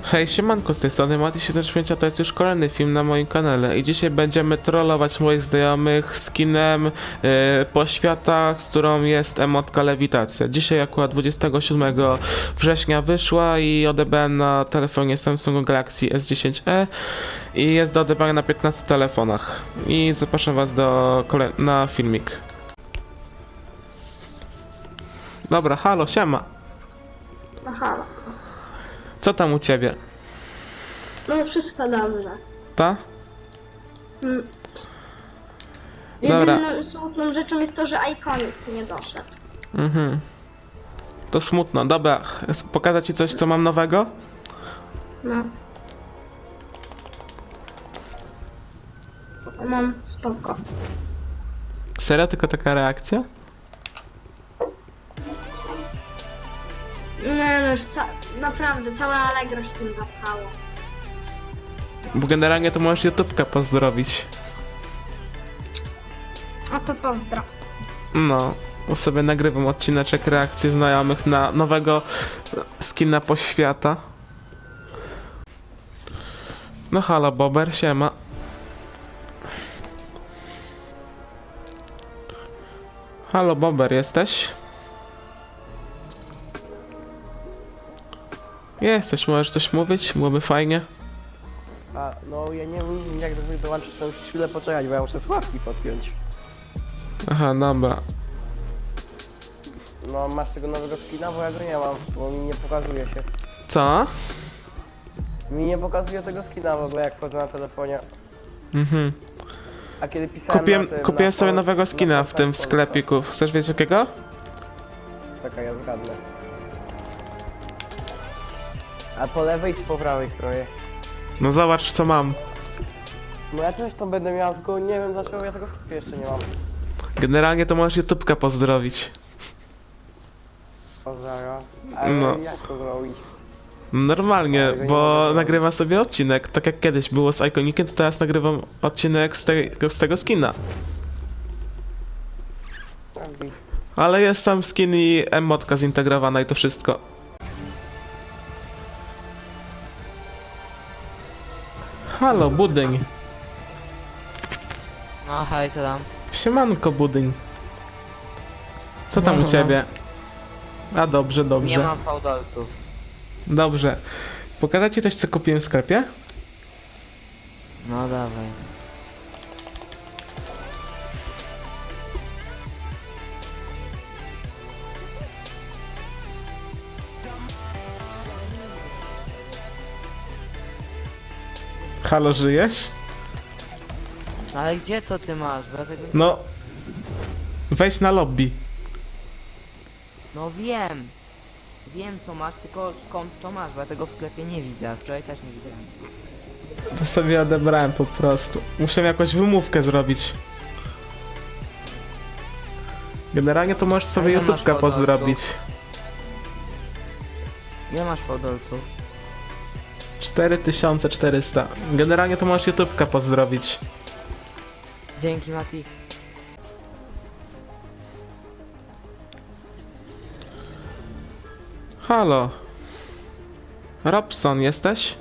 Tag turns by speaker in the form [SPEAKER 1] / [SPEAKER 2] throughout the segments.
[SPEAKER 1] Hej, siemanko, z tej strony Mati75, a to jest już kolejny film na moim kanale i dzisiaj będziemy trollować moich znajomych skinem po światach, z którą jest emotka lewitacja. Dzisiaj akurat 27 września wyszła i odebrałem na telefonie Samsung Galaxy S10e i jest do odebrania na 15 telefonach. I zapraszam was na filmik. Dobra, halo, siema.
[SPEAKER 2] Aha,
[SPEAKER 1] Co tam u ciebie?
[SPEAKER 2] no wszystko dobrze.
[SPEAKER 1] Ta?
[SPEAKER 2] Mm.
[SPEAKER 1] Dobra.
[SPEAKER 2] Jedyną smutną rzeczą jest to, że Iconic nie doszedł.
[SPEAKER 1] Mhm. To smutno. Dobra, pokażę ci coś, co mam nowego?
[SPEAKER 2] No. Mam spoko.
[SPEAKER 1] Serio? Tylko taka reakcja?
[SPEAKER 2] Nie no, już naprawdę całe Allegro się tym zapchało.
[SPEAKER 1] Bo generalnie to możesz YouTubka pozdrowić.
[SPEAKER 2] A to pozdro.
[SPEAKER 1] No, sobie nagrywam odcineczek reakcji znajomych na nowego skina poświata. No halo Bober, siema. Halo Bober, jesteś? Jesteś, możesz coś mówić? Byłoby fajnie.
[SPEAKER 3] A, no ja nie wiem jak do tego dołączyć, to musisz chwilę poczekać, bo ja muszę słuchawki podpiąć.
[SPEAKER 1] Aha, dobra.
[SPEAKER 3] No masz tego nowego skina, bo ja go nie mam, bo mi nie pokazuje się.
[SPEAKER 1] Co?
[SPEAKER 3] Mi nie pokazuje tego skina w ogóle jak wchodzę na telefonie.
[SPEAKER 1] Mhm.
[SPEAKER 3] A kiedy pisałem
[SPEAKER 1] Kupiłem
[SPEAKER 3] na
[SPEAKER 1] sobie
[SPEAKER 3] Pol-
[SPEAKER 1] nowego
[SPEAKER 3] na
[SPEAKER 1] skina w tym
[SPEAKER 3] Polsce,
[SPEAKER 1] sklepiku. Chcesz wiedzieć jakiego?
[SPEAKER 3] Czekaj, ja zgadnę. A po lewej czy po prawej stronie?
[SPEAKER 1] No zobacz co mam.
[SPEAKER 3] No ja też to będę miał, tylko nie wiem dlaczego ja tego w sklepie jeszcze nie mam.
[SPEAKER 1] Generalnie to możesz YouTubka pozdrowić.
[SPEAKER 3] Pozdrawiam. Ale
[SPEAKER 1] No.
[SPEAKER 3] jak to zrobić?
[SPEAKER 1] Normalnie,
[SPEAKER 3] Ale go nie
[SPEAKER 1] bo
[SPEAKER 3] mogę zrobić.
[SPEAKER 1] nagrywam sobie odcinek. Tak jak kiedyś było z Iconikiem, to teraz nagrywam odcinek z tego skina. Ale jest sam skin i emotka zintegrowana i to wszystko. Halo, budyń.
[SPEAKER 4] No hej, co tam?
[SPEAKER 1] Siemanko, budyń. Co tam u ciebie? A dobrze,
[SPEAKER 4] Nie
[SPEAKER 1] dobrze.
[SPEAKER 4] mam fałdolców.
[SPEAKER 1] Dobrze. Pokażę ci coś, co kupiłem w sklepie?
[SPEAKER 4] No dawaj.
[SPEAKER 1] Halo, żyjesz?
[SPEAKER 4] No ale gdzie to ty masz? Bo ja tego...
[SPEAKER 1] No. Wejdź na lobby.
[SPEAKER 4] No wiem. Wiem co masz, tylko skąd to masz, bo ja tego w sklepie nie widzę, a wczoraj też nie widziałem.
[SPEAKER 1] To sobie odebrałem po prostu. Muszę jakąś wymówkę zrobić. Generalnie to możesz sobie
[SPEAKER 4] A ile masz
[SPEAKER 1] YouTubka
[SPEAKER 4] fałdolców?
[SPEAKER 1] pozdrowić.
[SPEAKER 4] Nie masz fałdolców.
[SPEAKER 1] 4400. Generalnie to możesz YouTubka pozdrowić.
[SPEAKER 4] Dzięki Mati.
[SPEAKER 1] Halo. Robson, jesteś?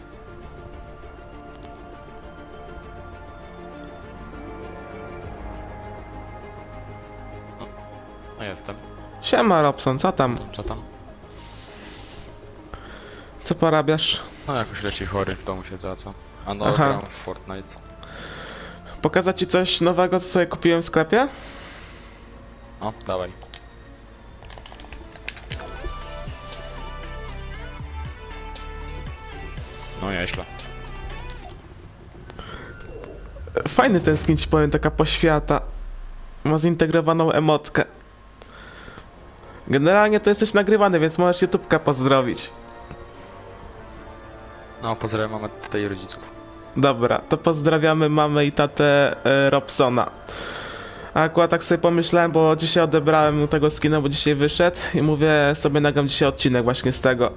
[SPEAKER 5] No jestem.
[SPEAKER 1] Siema Robson, co tam?
[SPEAKER 5] Co tam?
[SPEAKER 1] Co porabiasz?
[SPEAKER 5] No jakoś leci chory, w domu siedzę, a co? A no,
[SPEAKER 1] Aha.
[SPEAKER 5] gram w Fortnite.
[SPEAKER 1] Pokazać ci coś nowego, co sobie kupiłem w sklepie?
[SPEAKER 5] No, dawaj. No nieźle.
[SPEAKER 1] Fajny ten skin, ci powiem, taka poświata. Ma zintegrowaną emotkę. Generalnie to jesteś nagrywany, więc możesz YouTubka pozdrowić.
[SPEAKER 5] No, pozdrawiam mamę, tatę i rodziców.
[SPEAKER 1] Dobra, to pozdrawiamy mamę i tatę Robsona. A akurat tak sobie pomyślałem, bo dzisiaj odebrałem mu tego skina, bo dzisiaj wyszedł i mówię, sobie nagram dzisiaj odcinek właśnie z tego.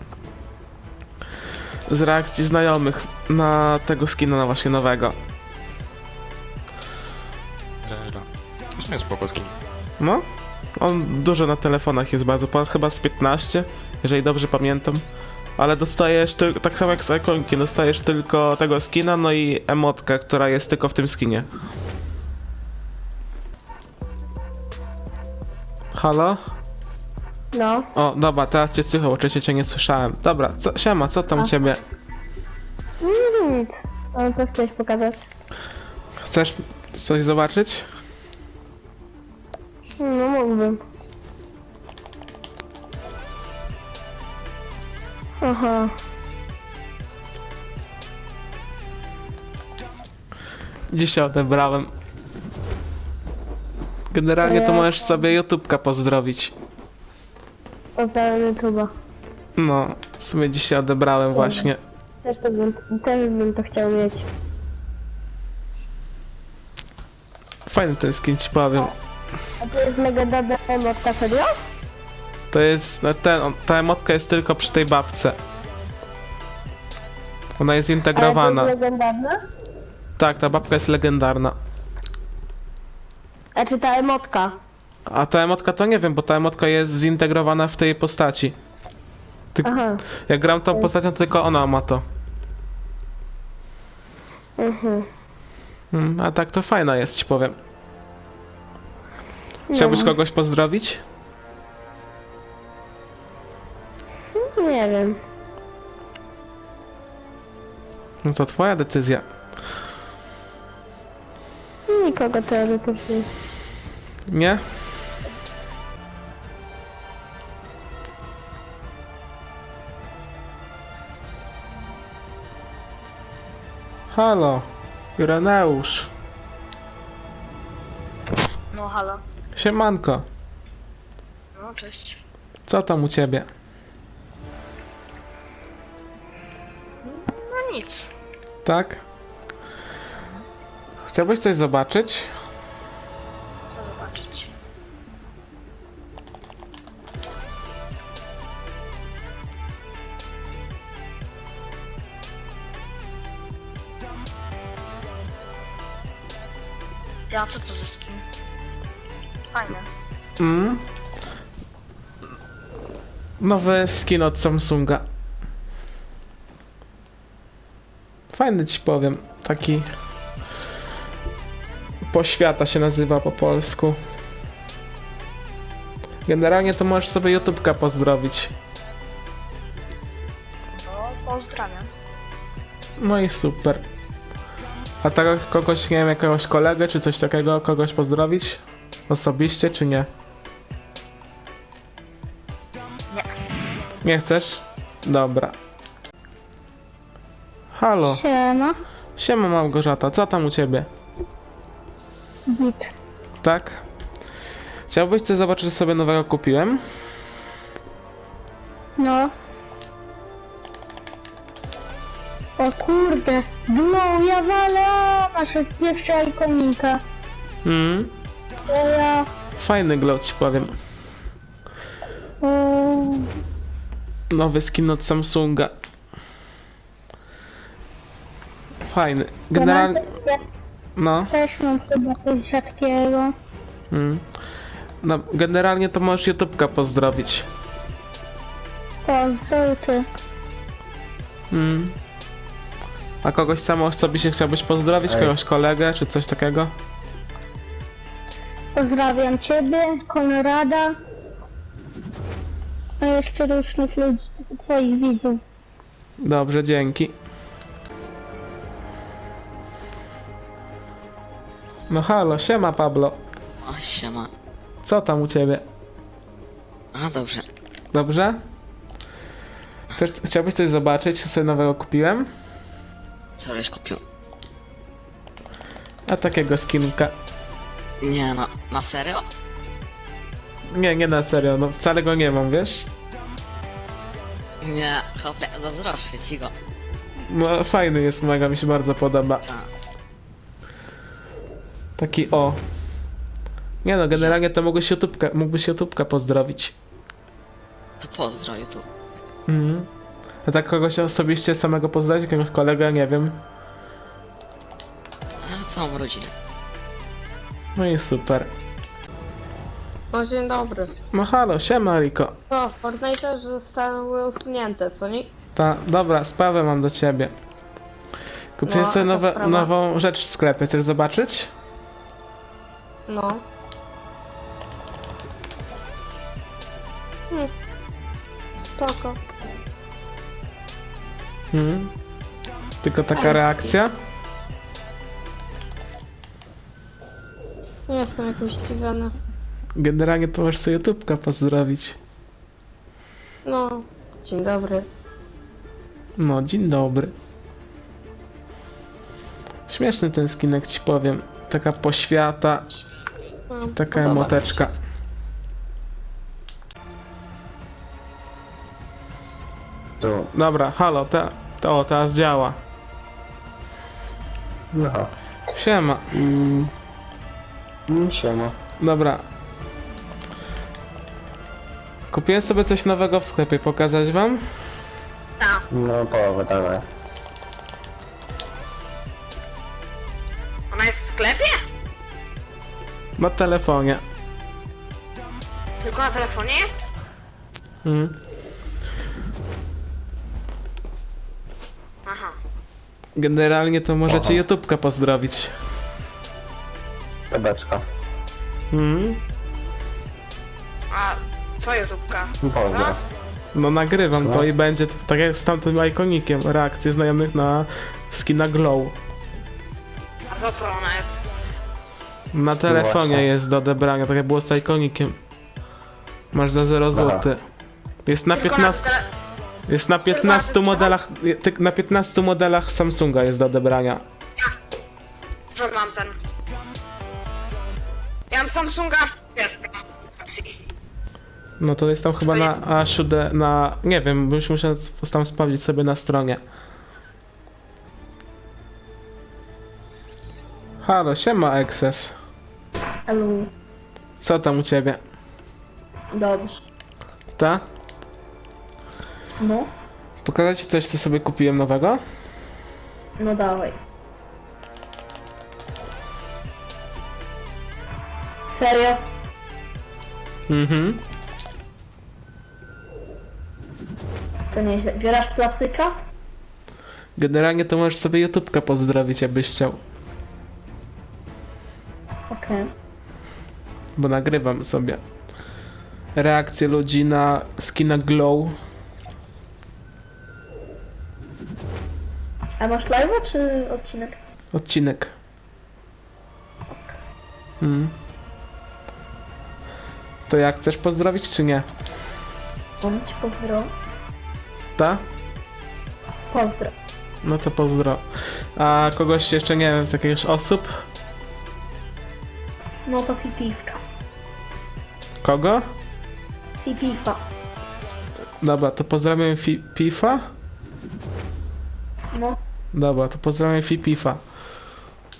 [SPEAKER 1] Z reakcji znajomych na tego skina, na właśnie nowego.
[SPEAKER 5] To są jest spoko skin.
[SPEAKER 1] No, on dużo na telefonach jest bardzo, chyba z 15, jeżeli dobrze pamiętam. Ale dostajesz tylko, tak samo jak z ikonki, dostajesz tylko tego skina, no i emotkę, która jest tylko w tym skinie. Halo?
[SPEAKER 2] No.
[SPEAKER 1] O, dobra, teraz cię słychał, oczywiście cię nie słyszałem. Dobra, siema, co tam u ciebie?
[SPEAKER 2] Nic. Ale co chciałeś pokazać?
[SPEAKER 1] Chcesz coś zobaczyć?
[SPEAKER 2] No mógłbym. Aha.
[SPEAKER 1] Dzisiaj odebrałem. Generalnie to możesz sobie YouTubka pozdrowić.
[SPEAKER 2] Pozdrawiam YouTube'a.
[SPEAKER 1] No, w sumie dzisiaj odebrałem właśnie.
[SPEAKER 2] Też bym to chciał mieć.
[SPEAKER 1] Fajny ten skin, ci powiem.
[SPEAKER 2] A to jest mega dobra emotka, serio?
[SPEAKER 1] To jest, no ta emotka jest tylko przy tej babce. Ona jest zintegrowana.
[SPEAKER 2] Ale to jest legendarna?
[SPEAKER 1] Tak, ta babka jest legendarna.
[SPEAKER 2] A czy ta emotka?
[SPEAKER 1] A ta emotka to nie wiem, bo ta emotka jest zintegrowana w tej postaci.
[SPEAKER 2] Aha.
[SPEAKER 1] Jak gram tą postacią, to tylko ona ma to.
[SPEAKER 2] Mhm.
[SPEAKER 1] A tak to fajna jest, ci powiem. Chciałbyś kogoś pozdrowić?
[SPEAKER 2] Nie wiem.
[SPEAKER 1] No to twoja decyzja.
[SPEAKER 2] Nikogo teoretycznie.
[SPEAKER 1] Nie? Halo, Ireneusz.
[SPEAKER 6] No halo.
[SPEAKER 1] Siemanko,
[SPEAKER 6] No cześć.
[SPEAKER 1] co tam u ciebie?
[SPEAKER 6] No nic.
[SPEAKER 1] Tak? Chciałbyś coś zobaczyć?
[SPEAKER 6] Co zobaczyć? Ja, co to za skin? Fajne.
[SPEAKER 1] Nowy skin od Samsunga. Fajny, ci powiem. Taki... Poświata się nazywa po polsku. Generalnie to możesz sobie YouTubka pozdrowić.
[SPEAKER 6] No, pozdrawiam.
[SPEAKER 1] No i super. A tak kogoś, nie wiem, jakiegoś kolegę czy coś takiego, kogoś pozdrowić? Osobiście czy nie?
[SPEAKER 6] Nie.
[SPEAKER 1] Nie chcesz? Dobra. Halo,
[SPEAKER 2] Siema.
[SPEAKER 1] siema Małgorzata, co tam u ciebie?
[SPEAKER 2] Git.
[SPEAKER 1] Tak? Chciałbyś coś zobaczyć, co sobie nowego kupiłem?
[SPEAKER 2] No. O kurde. No, ja walę. Masz jeszcze ikonika. To ja...
[SPEAKER 1] Fajny glow, ci powiem. Nowy skin od Samsunga. Fajny. Generalnie... No.
[SPEAKER 2] Też mam chyba coś rzadkiego.
[SPEAKER 1] No, generalnie to możesz YouTubka pozdrowić.
[SPEAKER 2] Pozdrow ty.
[SPEAKER 1] A kogoś samo osobiście chciałbyś pozdrowić? Kogoś kolegę, czy coś takiego?
[SPEAKER 2] Pozdrawiam ciebie, Konrada. A jeszcze różnych ludzi, twoich widzów.
[SPEAKER 1] Dobrze, dzięki. No halo, siema Pablo.
[SPEAKER 7] O, siema.
[SPEAKER 1] Co tam u ciebie?
[SPEAKER 7] A, dobrze.
[SPEAKER 1] Dobrze? Chciałbyś coś zobaczyć, co sobie nowego kupiłem?
[SPEAKER 7] Co żeś kupił?
[SPEAKER 1] A takiego skinka.
[SPEAKER 7] Nie no, na serio?
[SPEAKER 1] Nie na serio, no wcale go nie mam, wiesz?
[SPEAKER 7] Nie, chłopie, zazdroszczę ci go.
[SPEAKER 1] No fajny jest, mega mi się bardzo podoba.
[SPEAKER 7] Ta.
[SPEAKER 1] Taki o. Nie no, generalnie to mógłbyś YouTubka pozdrowić.
[SPEAKER 7] To pozdrowię tu.
[SPEAKER 1] A tak kogoś osobiście samego pozdrowić, jakiegoś kolegę, nie wiem.
[SPEAKER 7] A całą rodzinę.
[SPEAKER 1] No i super.
[SPEAKER 8] No dzień dobry.
[SPEAKER 1] No halo, siema Riko.
[SPEAKER 8] No, Fortnite zostały usunięte, co nie?
[SPEAKER 1] Dobra, sprawę mam do ciebie. Kupiłem
[SPEAKER 2] No,
[SPEAKER 1] sobie
[SPEAKER 2] jaka sprawa?
[SPEAKER 1] nową rzecz w sklepie, chcesz zobaczyć?
[SPEAKER 2] No. Spoko.
[SPEAKER 1] Tylko taka
[SPEAKER 2] Jest.
[SPEAKER 1] reakcja?
[SPEAKER 2] Nie jestem jakimś zdziwiony.
[SPEAKER 1] Generalnie to możesz sobie YouTubka pozdrowić.
[SPEAKER 2] No. Dzień dobry.
[SPEAKER 1] No, dzień dobry. Śmieszny ten skinek, ci powiem. Taka poświata,
[SPEAKER 2] No,
[SPEAKER 1] taka
[SPEAKER 2] podoba mi się.
[SPEAKER 1] emoteczka.
[SPEAKER 3] Tu.
[SPEAKER 1] Dobra, halo, teraz działa.
[SPEAKER 3] No.
[SPEAKER 1] Siema.
[SPEAKER 3] Siema.
[SPEAKER 1] Dobra. Kupiłem sobie coś nowego w sklepie, pokazać wam?
[SPEAKER 3] No to dawaj.
[SPEAKER 6] Ona jest w sklepie?
[SPEAKER 1] Na telefonie.
[SPEAKER 6] Tylko na telefonie jest?
[SPEAKER 1] Mhm.
[SPEAKER 6] Aha.
[SPEAKER 1] Generalnie to możecie YouTubka pozdrowić.
[SPEAKER 3] Tebeczka.
[SPEAKER 1] Mhm.
[SPEAKER 6] A co YouTubka?
[SPEAKER 3] Pozdro.
[SPEAKER 1] No nagrywam
[SPEAKER 3] Co?
[SPEAKER 1] to i będzie tak jak z tamtym ikonikiem, reakcje znajomych na skina Glow.
[SPEAKER 6] A za co ona jest?
[SPEAKER 1] Na telefonie
[SPEAKER 3] właśnie.
[SPEAKER 1] jest do odebrania, tak jak było z ikonikiem. Masz za 0 zł. Jest na
[SPEAKER 6] Tylko
[SPEAKER 1] 15, jest na 15
[SPEAKER 6] Tylko na-
[SPEAKER 1] modelach, na 15 modelach Samsunga jest do odebrania.
[SPEAKER 6] Że mam ten. Ja mam Samsunga. Jest.
[SPEAKER 1] No to jest tam chyba na A7, na... nie wiem, byś musiał tam sprawdzić sobie na stronie. Halo, siema Excess.
[SPEAKER 2] Elu.
[SPEAKER 1] Co tam u ciebie?
[SPEAKER 2] Dobrze.
[SPEAKER 1] Ta?
[SPEAKER 2] No.
[SPEAKER 1] Pokazać ci coś, co sobie kupiłem nowego?
[SPEAKER 2] No dawaj. Serio?
[SPEAKER 1] Mhm.
[SPEAKER 2] To nieźle. Bierasz placyka?
[SPEAKER 1] Generalnie to możesz sobie YouTubka pozdrowić, jakbyś chciał.
[SPEAKER 2] Okej.
[SPEAKER 1] Bo nagrywam sobie reakcje ludzi na skina Glow.
[SPEAKER 2] A masz live'a czy odcinek?
[SPEAKER 1] Odcinek. To jak, chcesz pozdrowić czy nie?
[SPEAKER 2] On ci pozdro.
[SPEAKER 1] Ta?
[SPEAKER 2] Pozdro.
[SPEAKER 1] No to pozdro. A kogoś jeszcze, nie wiem, z jakichś osób?
[SPEAKER 2] No to Fipiwka.
[SPEAKER 1] Kogo?
[SPEAKER 2] Fipifa.
[SPEAKER 1] Dobra, to pozdrawiam Fifa?
[SPEAKER 2] No.
[SPEAKER 1] Dobra, to pozdrawiam Fifa.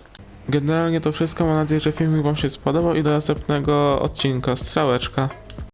[SPEAKER 1] Generalnie to wszystko, mam nadzieję, że filmik wam się spodobał i do następnego odcinka. Strzałeczka.